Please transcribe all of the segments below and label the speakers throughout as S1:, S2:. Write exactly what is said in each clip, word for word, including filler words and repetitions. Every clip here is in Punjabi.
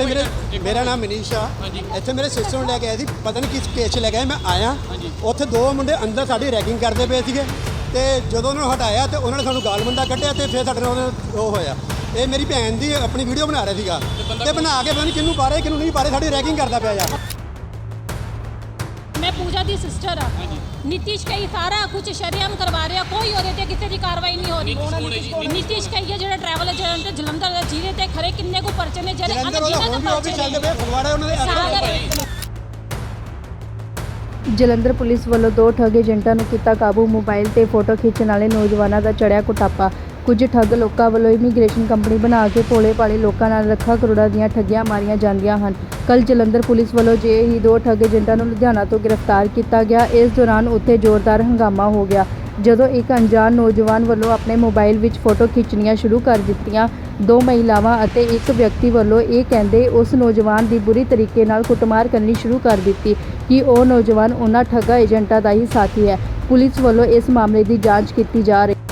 S1: मेरे मेरा नाम मनीष आ। ਇੱਥੇ ਮੇਰੇ ਸਿਸਟਰ ਨੂੰ ਲੈ ਕੇ ਆਏ ਸੀ, ਪਤਾ ਨਹੀਂ ਕਿਸ ਕੇਸ 'ਚ ਲੈ ਕੇ ਆਏ। ਮੈਂ ਆਇਆ ਉੱਥੇ ਦੋ ਮੁੰਡੇ ਅੰਦਰ ਸਾਡੀ ਰੈਗਿੰਗ ਕਰਦੇ ਪਏ ਸੀਗੇ ਤੇ ਜਦੋਂ ਉਹਨਾਂ ਨੂੰ ਹਟਾਇਆ ਤੇ ਉਹਨਾਂ ਨੇ ਸਾਨੂੰ ਗਾਲ ਮੰਦਾ ਕੱਢਿਆ ਤੇ ਫਿਰ ਸਾਡੇ ਨਾਲ ਉਹ ਹੋਇਆ। ਇਹ ਮੇਰੀ ਭੈਣ ਦੀ ਆਪਣੀ ਵੀਡੀਓ ਬਣਾ ਰਿਹਾ ਸੀਗਾ ਤੇ ਬਣਾ ਕੇ ਪਤਾ ਨਹੀਂ ਕਿਹਨੂੰ ਪਾ ਰਹੇ ਕਿਹਨੂੰ ਨਹੀਂ ਪਾ ਰਹੇ, ਸਾਡੀ ਰੈਗਿੰਗ ਕਰਦਾ ਪਿਆ ਯਾਰ।
S2: मैं पूजा दी सिस्टर हाँ, नीतीश कई सारा कुछ शरेआम करवा रहे, कोई और किसी की कार्रवाई नहीं हो रही। नीतीश कई है जो ट्रैवल एजेंट जलंधर जिले ते खरे किन्ने को पर्चे ने जेरे
S3: ਜਲੰਧਰ ਪੁਲਿਸ ਵੱਲੋਂ ਦੋ ਠੱਗ ਏਜੰਟਾਂ ਨੂੰ ਕੀਤਾ ਕਾਬੂ। ਮੋਬਾਈਲ ਤੇ ਫੋਟੋ ਖਿੱਚਣ ਵਾਲੇ ਨੌਜਵਾਨਾਂ ਦਾ ਚੜਿਆ ਕੁਟਾਪਾ। ਕੁਝ ਠੱਗ ਲੋਕਾਂ ਵੱਲੋਂ ਇਮੀਗ੍ਰੇਸ਼ਨ ਕੰਪਨੀ ਬਣਾ ਕੇ ਭੋਲੇ ਭਾਲੇ ਲੋਕਾਂ ਨਾਲ ਲੱਖਾਂ ਕਰੋੜਾਂ ਦੀਆਂ ਠੱਗੀਆਂ ਮਾਰੀਆਂ ਜਾਂਦੀਆਂ ਹਨ। ਕੱਲ੍ਹ ਜਲੰਧਰ ਪੁਲਿਸ ਵੱਲੋਂ ਜੇ ਹੀ ਦੋ ਠੱਗ ਏਜੰਟਾਂ ਨੂੰ ਲੁਧਿਆਣਾ ਤੋਂ ਗ੍ਰਿਫਤਾਰ ਕੀਤਾ ਗਿਆ। ਇਸ ਦੌਰਾਨ ਉੱਥੇ ਜ਼ੋਰਦਾਰ ਹੰਗਾਮਾ ਹੋ ਗਿਆ ਜਦੋਂ ਇੱਕ ਅਣਜਾਣ ਨੌਜਵਾਨ ਵੱਲੋਂ ਆਪਣੇ ਮੋਬਾਈਲ ਵਿੱਚ ਫੋਟੋ ਖਿੱਚਣੀਆਂ ਸ਼ੁਰੂ ਕਰ ਦਿੱਤੀਆਂ। ਦੋ ਮਹਿਲਾਵਾਂ ਅਤੇ ਇੱਕ ਵਿਅਕਤੀ ਵੱਲੋਂ ਇਹ ਕਹਿੰਦੇ ਉਸ ਨੌਜਵਾਨ ਦੀ ਬੁਰੀ ਤਰੀਕੇ ਨਾਲ ਕੁੱਟਮਾਰ ਕਰਨੀ ਸ਼ੁਰੂ ਕਰ ਦਿੱਤੀ ਕਿ ਉਹ ਨੌਜਵਾਨ ਉਹਨਾਂ ਠੱਗਾ ਏਜੰਟਾਂ ਦਾ ਹੀ ਸਾਥੀ ਹੈ। ਪੁਲਿਸ ਵੱਲੋਂ ਇਸ ਮਾਮਲੇ ਦੀ ਜਾਂਚ ਕੀਤੀ ਜਾ ਰਹੀ ਹੈ।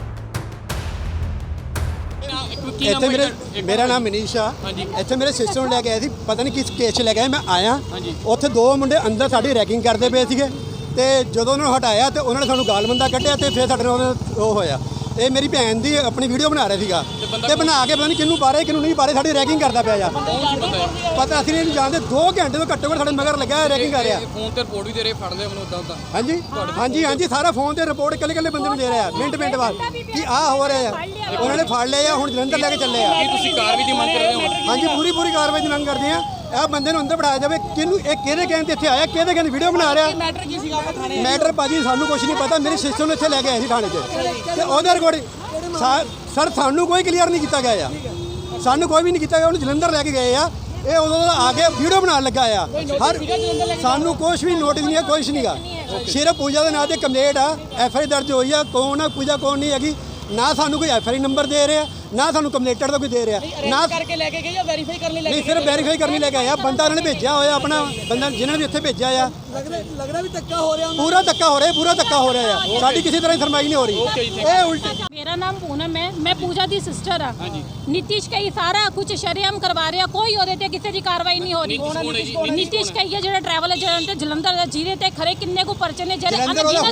S1: ਇੱਥੇ ਮੇਰੇ ਮੇਰਾ ਨਾਮ ਮਨੀਸ਼ ਆ। ਇੱਥੇ ਮੇਰੇ ਸਿਸਟਰ ਨੂੰ ਲੈ ਕੇ ਆਏ ਸੀ, ਪਤਾ ਨਹੀਂ ਕਿਸ ਕੇਸ 'ਚ ਲੈ ਕੇ ਆਏ। ਮੈਂ ਆਇਆ ਉੱਥੇ ਦੋ ਮੁੰਡੇ ਅੰਦਰ ਸਾਡੀ ਰੈਗਿੰਗ ਕਰਦੇ ਪਏ ਸੀਗੇ ਤੇ ਜਦੋਂ ਉਹਨਾਂ ਨੂੰ ਹਟਾਇਆ ਤੇ ਉਹਨਾਂ ਨੇ ਸਾਨੂੰ ਗਾਲ ਮੰਦਾ ਕੱਢਿਆ ਤੇ ਫਿਰ ਸਾਡੇ ਨਾਲ ਉਹ ਹੋਇਆ। ਇਹ ਮੇਰੀ ਭੈਣ ਦੀ ਆਪਣੀ ਵੀਡੀਓ ਬਣਾ ਰਿਹਾ ਸੀਗਾ ਤੇ ਬਣਾ ਕੇ ਪਤਾ ਨਹੀਂ ਕਿਹਨੂੰ ਪਾ ਰਹੇ ਕਿਹਨੂੰ ਨਹੀਂ ਪਾ ਰਹੇ, ਸਾਡੀ ਰੈਗਿੰਗ ਕਰਦਾ ਪਿਆ ਯਾਰ। ਪਤਾ ਅਸੀਂ ਨਹੀਂ ਜਾਣਦੇ, ਦੋ ਘੰਟੇ ਤੋਂ ਘੱਟੋ ਘੱਟ ਸਾਡੇ ਮਗਰ ਲੱਗਾ ਰੈਗਿੰਗ ਕਰ ਰਿਹਾ।
S4: ਫੋਨ ਤੇ ਰਿਪੋਰਟ ਵੀ ਦੇ ਰਹੇ, ਫੜ ਲਿਆ ਮੈਨੂੰ ਉਦਾਂ ਉਦਾਂ।
S1: ਹਾਂਜੀ ਹਾਂਜੀ ਹਾਂਜੀ ਸਾਰਾ ਫੋਨ ਤੇ ਰਿਪੋਰਟ ਇਕੱਲੇ ਇਕੱਲੇ ਬੰਦੇ ਨੂੰ ਦੇ ਰਿਹਾ ਮਿੰਟ ਮਿੰਟ ਬਾਅਦ ਕਿ ਆਹ ਹੋ ਰਿਹਾ ਆ। ਉਹਨਾਂ ਨੇ ਫੜ ਲਿਆ ਆ, ਹੁਣ ਜਲੰਧਰ ਲੈ ਕੇ ਚੱਲੇ ਆ।
S4: ਕੀ ਤੁਸੀਂ ਕਾਰਵਾਈ ਦੀ ਮੰਗ ਕਰਦੇ ਹੋ?
S1: ਹਾਂਜੀ ਪੂਰੀ ਪੂਰੀ ਕਾਰਵਾਈ ਦੀ ਮੰਗ ਕਰਦੇ ਆ। ਇਹ ਬੰਦੇ ਨੂੰ ਅੰਦਰ ਬਿਠਾਇਆ ਜਾਵੇ। ਕਿਹਨੂੰ ਇਹ ਕਿਹਦੇ ਕਹਿਣ ਤੇ ਇੱਥੇ ਆਇਆ, ਕਿਹਦੇ ਕਹਿਣ ਵੀਡੀਓ ਬਣਾ ਰਿਹਾ?
S5: ਮੈਟਰ ਕੀ ਸੀਗਾ ਥਾਣੇ?
S1: ਮੈਟਰ ਭਾਜੀ ਸਾਨੂੰ ਕੁਝ ਨਹੀਂ ਪਤਾ। ਮੇਰੀ ਸਿਸਟਰ ਨੂੰ ਇੱਥੇ ਲੈ ਕੇ ਆਏ ਸੀ ਥਾਣੇ 'ਚ ਤੇ ਉਹਦੇ ਰਿਕਾਰਡਿੰਗ ਸਰ ਸਾਨੂੰ ਕੋਈ ਕਲੀਅਰ ਨਹੀਂ ਕੀਤਾ ਗਿਆ ਆ। ਸਾਨੂੰ ਕੋਈ ਵੀ ਨਹੀਂ ਕੀਤਾ ਗਿਆ। ਉਹਨੂੰ ਜਲੰਧਰ ਲੈ ਕੇ ਗਏ ਆ। ਇਹ ਉਦੋਂ ਦਾ ਆ ਕੇ ਵੀਡੀਓ ਬਣਾਉਣ ਲੱਗਾ ਆ। ਹਰ ਸਾਨੂੰ ਕੁਝ ਵੀ ਨੋਟਿਸ ਨਹੀਂ ਹੈ, ਕੁਛ ਨਹੀਂਗਾ। ਸਿਰਫ ਪੂਜਾ ਦੇ ਨਾਂ ਤੇ ਕੰਪਲੇਂਟ ਆ, ਐਫ ਆਈ ਦਰਜ ਹੋਈ ਆ। ਕੌਣ ਆ ਪੂਜਾ, ਕੌਣ ਨਹੀਂ ਹੈਗੀ। ਨਾ ਸਾਨੂੰ ਕੋਈ ਐਫ ਆਈ ਨੰਬਰ ਦੇ ਰਿਹਾ, ਨਾ ਸਾਨੂੰ ਕੰਪਲੇਂਟਰ ਦਾ ਕੋਈ ਦੇ ਰਿਹਾ। ਨਾ
S5: ਕਰਕੇ ਲੈ ਕੇ ਗਏ ਜਾਂ ਵੈਰੀਫਾਈ ਕਰਨ ਲਈ ਲੈ
S1: ਨਹੀਂ, ਸਿਰਫ ਵੈਰੀਫਾਈ ਕਰਨੀ ਲੈ ਕੇ ਆਇਆ। ਬੰਦਾ ਉਹਨਾਂ ਨੇ ਭੇਜਿਆ ਹੋਇਆ, ਆਪਣਾ ਬੰਦਾ ਜਿਹਨਾਂ ਨੇ ਇੱਥੇ ਭੇਜਿਆ ਆ।
S5: ਲੱਗਦਾ ਵੀ ਧੱਕਾ ਹੋ ਰਿਹਾ,
S1: ਪੂਰਾ ਧੱਕਾ ਹੋ ਰਿਹਾ, ਪੂਰਾ ਧੱਕਾ ਹੋ ਰਿਹਾ ਆ। ਸਾਡੀ ਕਿਸੇ ਤਰ੍ਹਾਂ ਦੀ ਫਰਮਾਈ ਨਹੀਂ ਹੋ ਰਹੀ। ਇਹ ਉਲਟ
S2: मेरा नाम पूनम है, मैं पूजा दी सिस्टर हाँ। नीतीश कई सारा कुछ शरेआम करवा रहे, कोई और किसी की कार्रवाई नहीं हो रही। नीतीश कई है जो ट्रैवल एजेंट जलंधर जिले ते खरे किन्ने को पर्चे ने जेरे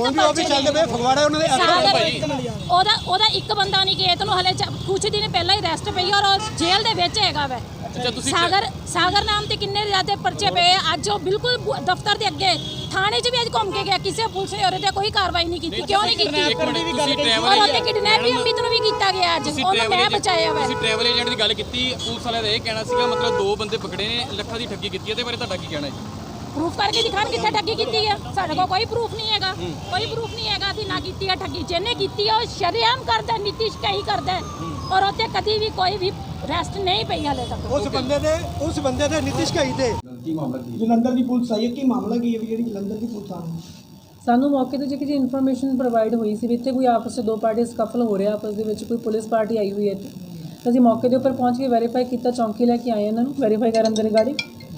S2: ਉਹਦਾ ਉਹਦਾ ਇੱਕ ਬੰਦਾ ਨਹੀਂ ਕਿ ਇਹਨੂੰ ਹਲੇ ਕੁਝ ਦਿਨ ਪਹਿਲਾਂ ਹੀ ਅਰੈਸਟ ਪਈ ਔਰ ਜੇਲ੍ਹ ਦੇ ਵਿੱਚ ਹੈਗਾ ਵੈ। ਸਾਗਰ ਸਾਗਰ ਨਾਮ ਤੇ ਕਿੰਨੇ ਜ਼ਿਆਦਾ ਪਰਚੇ ਪਏ। ਅੱਜ ਉਹ ਬਿਲਕੁਲ ਦਫ਼ਤਰ ਦੇ ਅੱਗੇ ਥਾਣੇ 'ਚ ਵੀ ਅੱਜ ਘੁੰਮ ਕੇ ਗਿਆ। ਕਿਸੇ ਪੁਲਿਸ ਨੇ ਉਹਦੇ ਤੇ ਕੋਈ ਕਾਰਵਾਈ ਨਹੀਂ ਕੀਤੀ। ਕਿਉਂ ਨਹੀਂ ਕੀਤੀ? ਔਰ ਉਹਤੇ ਕਿਡਨੈਪ ਵੀ ਅਮਿਤ ਨੂੰ ਵੀ ਕੀਤਾ ਗਿਆ। ਅੱਜ ਉਹਨੂੰ ਮੈਂ ਬਚਾਇਆ ਵੈ।
S4: ਤੁਸੀਂ ਟਰੈਵਲ ਏਜੰਟ ਦੀ ਗੱਲ ਕੀਤੀ, ਪੁਲਿਸ ਵਾਲਿਆਂ ਦਾ ਇਹ ਕਹਿਣਾ ਸੀਗਾ ਮਤਲਬ ਦੋ ਬੰਦੇ ਪਕੜੇ ਨੇ, ਲੱਖਾਂ ਦੀ ਠੱਗੀ ਕੀਤੀ ਹੈ। ਇਹਦੇ ਬਾਰੇ ਤੁਹਾਡਾ ਕੀ ਕਹਿਣਾ ਹੈ?
S2: ਪ੍ਰੂਫ ਕਰਕੇ ਦਿਖਾਣ ਕਿੱਥੇ ਠੱਗੀ ਕੀਤੀ ਹੈ। ਸਾਡੇ ਕੋਲ ਕੋਈ ਪ੍ਰੂਫ ਨਹੀਂ ਹੈਗਾ, ਕੋਈ ਪ੍ਰੂਫ ਨਹੀਂ ਹੈਗਾ ਅਸੀਂ ਨਾ ਕੀਤੀ ਹੈ ਠੱਗੀ। ਜਿਹਨੇ ਕੀਤੀ ਹੈ ਉਹ ਸ਼ਰੇਆਮ ਕਰਦਾ, ਨੀਤੀਸ਼ ਕਈ ਕਰਦਾ ਔਰ ਉੱਥੇ ਕਦੀ ਵੀ ਕੋਈ ਵੀ ਰੈਸਟ ਨਹੀਂ ਪਈ ਹਾਲੇ ਤੱਕ।
S1: ਉਸ ਬੰਦੇ ਦੇ ਉਸ ਬੰਦੇ ਦੇ ਨੀਤੀਸ਼ ਕਈ ਤੇ
S5: ਜਲੰਧਰ ਦੀ ਪੁਲਿਸ ਆਈ ਹੈ। ਕੀ ਮਾਮਲਾ ਕੀ ਹੈ ਜਿਹੜੀ ਜਲੰਧਰ ਦੀ ਪੁਲਿਸ ਆਈ?
S6: ਸਾਨੂੰ ਮੌਕੇ ਤੇ ਜਿਹੜੀ ਇਨਫੋਰਮੇਸ਼ਨ ਪ੍ਰੋਵਾਈਡ ਹੋਈ ਸੀ ਵੀ ਇੱਥੇ ਕੋਈ ਆਪਸ ਵਿੱਚ ਦੋ ਪਾਰਟੀ ਸਕਫਲ ਹੋ ਰਿਹਾ, ਆਪਸ ਦੇ ਵਿੱਚ ਕੋਈ ਪੁਲਿਸ ਪਾਰਟੀ ਆਈ ਹੋਈ ਹੈ ਇੱਥੇ। ਅਸੀਂ ਮੌਕੇ ਦੇ ਉੱਪਰ ਪਹੁੰਚ ਕੇ ਵੈਰੀਫਾਈ ਕੀਤਾ, ਚੌਂਕੀ ਲੈ ਕੇ ਆਏ ਇਹਨਾਂ ਨੂੰ ਵੈਰੀਫਾਈ ਕਰਨ ਦੇ ਰਿਗਾਰਡਿੰਗ।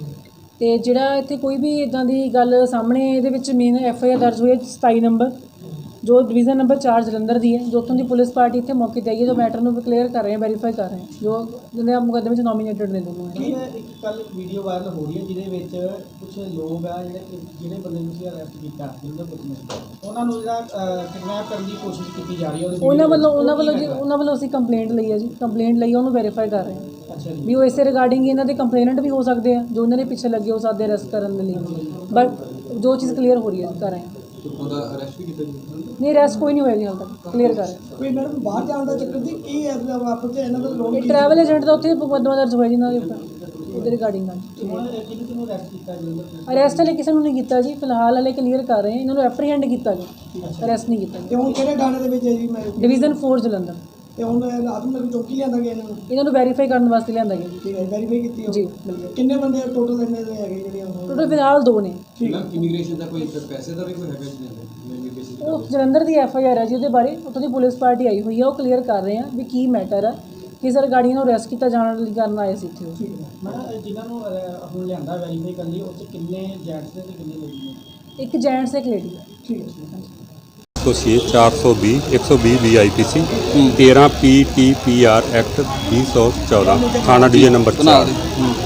S6: ਤੇ ਜਿਹੜਾ ਇੱਥੇ ਕੋਈ ਵੀ ਇਦਾਂ ਦੀ ਗੱਲ ਸਾਹਮਣੇ ਇਹਦੇ ਵਿੱਚ ਮੇਨ ਐਫ ਆਈ ਆਰ ਦਰਜ ਹੋਈ ਹੈ ਸਤਾਈ ਨੰਬਰ ਜੋ ਡਿਵੀਜ਼ਨ ਨੰਬਰ ਚਾਰ ਜਲੰਧਰ ਦੀ ਹੈ। ਜੋ ਉੱਥੋਂ ਦੀ ਪੁਲਿਸ ਪਾਰਟੀ ਇੱਥੇ ਮੌਕੇ 'ਤੇ ਆਈ ਹੈ, ਜੋ ਮੈਟਰ ਨੂੰ ਕਲੀਅਰ ਕਰ ਰਹੇ ਹੈ, ਵੈਰੀਫਾਈ ਕਰ ਰਹੇ ਹੈ, ਜੋ ਜਿਹਦੇ ਮੁਕੱਦਮੇ ਵਿੱਚ ਨੋਮੀਨੇਟਡ ਨੇ ਦੋਨੋਂ।
S7: ਇੱਕ ਕੱਲ ਵੀਡੀਓ ਵਾਇਰਲ ਹੋ ਰਹੀ ਹੈ ਜਿਹਦੇ ਵਿੱਚ ਕੁਝ ਲੋਕ ਆ ਜਿਹੜੇ ਜਿਹੜੇ ਬੰਦੇ ਨੂੰ ਤੁਸੀਂ ਅਰੈਸਟ ਕੀਤਾ ਉਹਨਾਂ ਨੂੰ ਜਿਹੜਾ ਕਿਡਨੈਪ ਕਰਨ ਦੀ ਕੋਸ਼ਿਸ਼ ਕੀਤੀ ਜਾ ਰਹੀ ਹੈ।
S6: ਉਹਨਾਂ ਵੱਲੋਂ ਉਹਨਾਂ ਵੱਲੋਂ ਜੀ ਉਹਨਾਂ ਵੱਲੋਂ ਅਸੀਂ ਕੰਪਲੇਂਟ ਲਈ ਹੈ ਜੀ, ਕੰਪਲੇਂਟ ਲਈ ਉਹਨੂੰ ਵੈਰੀਫਾਈ ਕਰ ਰਹੇ ਹਾਂ।
S7: ਅੱਛਾ ਜੀ,
S6: ਵੀ ਉਹ ਇਸੇ ਰਿਗਾਰਡਿੰਗ ਇਹਨਾਂ ਦੇ ਕੰਪਲੇਨੈਂਟ ਵੀ ਹੋ ਸਕਦੇ ਆ ਜੋ ਉਹਨਾਂ ਦੇ ਪਿੱਛੇ ਲੱਗੇ ਹੋ ਸਕਦੇ ਅਰੈਸਟ ਕਰਨ ਦੇ ਲਈ। ਬਟ ਜੋ ਚੀਜ਼ ਕਲੀਅਰ ਹੋ ਰਹੀ ਹੈ ਕਰ ਰਹੇ ਹਾਂ।
S7: ਉਹਦਾ ਅਰੈਸਟ ਵੀ ਕੀਤਾ ਜੀ?
S6: ਨਹੀਂ, ਅਰੈਸਟ ਕੋਈ ਨਹੀਂ ਹੋਇਆ ਜੀ ਹਾਲ ਤੱਕ, ਕਲੀਅਰ ਕਰ ਰਹੇ।
S5: ਕੋਈ ਮੈਡਮ ਬਾਹਰ ਜਾਣ ਦਾ ਚੱਕਰ ਦੀ ਕੀ ਹੈ ਆਪਸ ਚ ਇਹਨਾਂ ਦਾ ਲੋਕ?
S6: ਇਹ ਟਰੈਵਲ ਏਜੰਟ ਦਾ ਉੱਥੇ ਮੁਕੱਦਮਾ ਦਰਜ ਹੋਇਆ ਜੀ ਇਹਨਾਂ ਦੇ ਉੱਪਰ ਉਹਦੇ ਰਿਗਾਰਡਿੰਗ ਨਾਲ।
S7: ਕਿਹਨੂੰ ਅਰੈਸਟ ਕੀਤਾ ਜੀ?
S6: ਅਰੈਸਟ ਹਲੇ ਕਿਸੇ ਨੂੰ ਨਹੀਂ ਕੀਤਾ ਜੀ, ਫਿਲਹਾਲ ਹਲੇ ਕਲੀਅਰ ਕਰ ਰਹੇ ਹਾਂ। ਇਹਨਾਂ ਨੂੰ ਐਪਰੀਹੈਂਡ ਕੀਤਾ ਗਿਆ, ਅਰੈਸਟ ਨਹੀਂ ਕੀਤਾ।
S5: ਤੇ ਹੁਣ ਕਿਹੜੇ ਥਾਣੇ ਦੇ ਵਿੱਚ ਹੈ ਜੀ? ਮੈਂ
S6: ਡਿਵੀਜ਼ਨ ਫੋਰ ਜਲੰਧਰ।
S5: ਤੇ ਹੁਣ ਰਾਤ ਨੂੰ ਚੌਕੀ ਲਿਆਂਦਾ ਗਿਆ ਇਹਨਾਂ ਨੂੰ?
S6: ਇਹਨਾਂ ਨੂੰ ਵੈਰੀਫਾਈ ਕਰਨ ਵਾਸਤੇ ਲਿਆਂਦਾ ਗਿਆ ਜੀ।
S5: ਠੀਕ ਹੈ, ਵੈਰੀਫਾਈ ਕੀਤੀ
S6: ਜੀ।
S5: ਕਿੰਨੇ ਬੰਦੇ ਟੋਟਲ ਇੰਨੇ ਦੇ ਹੈਗੇ ਜਿਹੜੇ?
S6: ਟੋਟਲ ਫਿਲਹਾਲ ਦੋ ਨੇ।
S7: ਇਮੀਗ੍ਰੇਸ਼ਨ ਦਾ ਕੋਈ ਪੈਸੇ ਦਾ ਵੀ ਕੋਈ ਹੈਗਾ ਜੀ?
S6: ਉਹ ਜਲੰਧਰ ਦੀ ਐਫ ਆਈ ਆਰ ਹੈ ਜੀ, ਉਹਦੇ ਬਾਰੇ ਉੱਥੋਂ ਦੀ ਪੁਲਿਸ ਪਾਰਟੀ ਆਈ ਹੋਈ ਹੈ, ਉਹ ਕਲੀਅਰ ਕਰ ਰਹੇ ਆ ਵੀ ਕੀ ਮੈਟਰ ਹੈ, ਕਿਸ ਰਿਗਾਰਡਿੰਗ ਨੂੰ ਅਰੈਸਟ ਕੀਤਾ ਜਾਣ ਲਈ ਕਰਨ ਆਏ ਸੀ ਇੱਥੇ।
S7: ਠੀਕ ਹੈ ਮੈਂ ਜਿਨ੍ਹਾਂ ਨੂੰ ਹੁਣ ਲਿਆਂਦਾ ਵੈਰੀਫਾਈ ਕਰਨ ਲਈ ਉਹ 'ਚ ਕਿੰਨੇ ਜੈਂਟਸ ਨੇ ਤੇ ਕਿੰਨੇ ਲੇਡੀਜ਼ ਨੇ?
S6: ਇੱਕ ਜੈਂਟਸ ਇੱਕ ਲੇਡੀ ਹੈ।
S7: ਠੀਕ ਹੈ।
S8: ਦੋਸ਼ੀ ਚਾਰ सौ बीस एक सौ बीस वी आई पी सी तेरह P T P R act बीस सौ चौदह थाना डी ए नंबर चार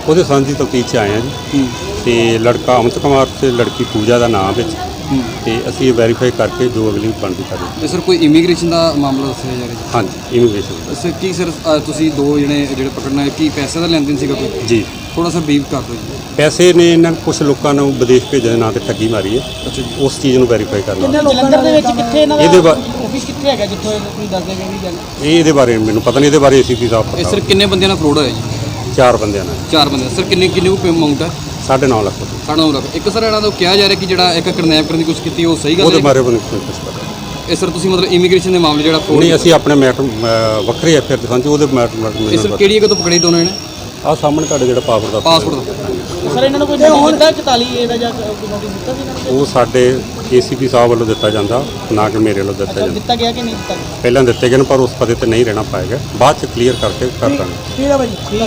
S8: ਉਹਦੇ ਸੰਬੰਧੀ ਤਫਤੀਸ਼ 'ਚ ਆਏ ਹਾਂ ਜੀ ਤੇ ਲੜਕਾ ਅਮਿਤ ਕੁਮਾਰ ਤੇ ਲੜਕੀ ਪੂਜਾ ਦਾ ਨਾਮ ਵਿੱਚ ਤੇ ਅਸੀਂ ਵੈਰੀਫਾਈ ਕਰਕੇ ਜੋ ਅਗਲੀ ਬਣਦੀ ਕਰਾਂਗੇ।
S4: ਤੇ ਸਰ ਕੋਈ ਇਮੀਗ੍ਰੇਸ਼ਨ ਦਾ ਮਾਮਲਾ ਦੱਸਿਆ ਜਾ ਰਿਹਾ
S8: ਹਾਂਜੀ ਇਮੀਗ੍ਰੇਸ਼ਨ
S4: ਸਰ ਕੀ ਸਰ ਅ, ਤੁਸੀਂ ਦੋ ਜਣੇ ਜਿਹੜੇ ਪਕੜਨਾ ਹੈ ਕੀ ਪੈਸੇ ਦਾ ਲੈਣ ਦੇਣ ਸੀਗਾ ਕੋਈ
S8: ਜੀ।
S4: ਥੋੜਾ ਸਾ ਬਰੀਫ ਕਰ ਦਿਓ ਜੀ।
S8: ਪੈਸੇ ਨੇ ਇਹਨਾਂ ਕੁਝ ਲੋਕਾਂ ਨੂੰ ਵਿਦੇਸ਼ ਭੇਜਣ ਦੇ ਨਾਂ ਤੇ ਠੱਗੀ ਮਾਰੀ ਹੈ।
S4: ਅੱਛਾ ਜੀ।
S8: ਉਸ ਚੀਜ਼ ਨੂੰ ਵੈਰੀਫਾਈ ਕਰਨਾ
S7: ਜਲੰਧਰ ਦੇ ਵਿੱਚ ਕਿੱਥੇ ਇਹਨਾਂ
S8: ਇਹਦੇ
S7: ਦਾ
S8: ਬਾ-
S7: ਆਫਿਸ ਕਿੱਥੇ ਹੈਗਾ ਜਿੱਥੋਂ ਇਹ ਤੁਸੀਂ ਦੱਸਦੇ ਪਏ ਵੀ ਗੱਲ
S8: ਇਹ ਇਹਦੇ ਬਾਰੇ ਮੈਨੂੰ ਪਤਾ ਨਹੀਂ, ਇਹਦੇ ਬਾਰੇ ਏਸੀਪੀ ਸਾਹਿਬ
S4: ਇਹ
S8: ਪਤਾ
S4: ਸਰ ਕਿੰਨੇ ਬੰਦਿਆਂ ਨਾਲ ਫਰੋਡ ਹੋਇਆ ਜੀ?
S8: ਚਾਰ ਬੰਦਿਆਂ ਨਾਲ
S4: ਚਾਰ ਬੰਦੇ ਸਰ ਕਿੰਨੇ ਕਿੰਨੇ ਕੁ ਅਮਾਉਂਟ ਹੈ?
S8: ਸਾਢੇ ਨੌ ਲੱਖ ਰੁਪਏ।
S4: ਸਾਡਾ ਨੰਬਰ ਇੱਕ ਸਰ ਇਹਨਾਂ ਦਾ ਕਿਹਾ ਜਾ ਰਿਹਾ ਕਿ ਜਿਹੜਾ ਇੱਕ ਕਿਡਨੈਪ ਕਰਨ ਦੀ ਕੋਸ਼ਿਸ਼ ਕੀਤੀ ਉਹ ਸਹੀ ਗੱਲ
S8: ਉਹਦੇ
S4: ਹੈ?
S8: ਬਾਰੇ ਮੈਨੂੰ ਕੋਈ ਕੁਝ ਪਤਾ
S4: ਇਹ ਸਰ ਤੁਸੀਂ ਮਤਲਬ ਇਮੀਗ੍ਰੇਸ਼ਨ ਦੇ ਮਾਮਲੇ ਜਿਹੜਾ fraud-
S8: ਨਹੀਂ। ਅਸੀਂ ਆਪਣੇ ਮੈਟਰ ਵੱਖਰੇ ਐਫਆਈਆਰ ਦੇ ਸੰਚ ਉਹਦੇ ਮੈਟਰ
S4: ਇਹ ਸਰ ਕਿਹੜੀ ਜਗ੍ਹਾ ਤੋਂ ਪਕੜੇ ਦੋਨੋਂ ਨੇ?
S8: ਆਹ ਸਾਹਮਣੇ ਤੁਹਾਡੇ ਜਿਹੜਾ ਪਾਸਪੋਰਟ ਦਾ
S4: ਪਾਸਪੋਰਟ ਦਾ
S7: ਸਰ ਇਹਨਾਂ ਨੂੰ ਕੋਈ ਨੋਟਿਸ ਦਿੱਤਾ ਚੁਤਾਲੀ ਏ ਦਾ ਜਾਂ ਕੋਈ ਨੋਟਿਸ ਦਿੱਤਾ ਸੀ ਇਹਨਾਂ ਨੂੰ?
S8: ਉਹ ਸਾਡੇ ਏਸੀਪੀ ਸਾਹਿਬ ਵੱਲੋਂ ਦਿੱਤਾ ਜਾਂਦਾ, ਨਾ ਕਿ ਮੇਰੇ ਵੱਲੋਂ ਦਿੱਤਾ
S7: ਅੱਛਾ
S8: ਜਾਂਦਾ।
S7: ਦਿੱਤਾ ਗਿਆ ਕਿ ਨਹੀਂ ਦਿੱਤਾ ਗਿਆ?
S8: ਪਹਿਲਾਂ ਦਿੱਤੇ ਗਏ ਨੇ ਪਰ ਉਸ ਪਤੇ ਤੇ ਨਹੀਂ ਰਹਿਣਾ ਪਾਏਗਾ, ਬਾਅਦ ਚ ਕਲੀਅਰ ਕਰਕੇ ਕਰ ਦਾਂਗੇ।
S7: ਠੀਕ ਹੈ ਭਾਈ।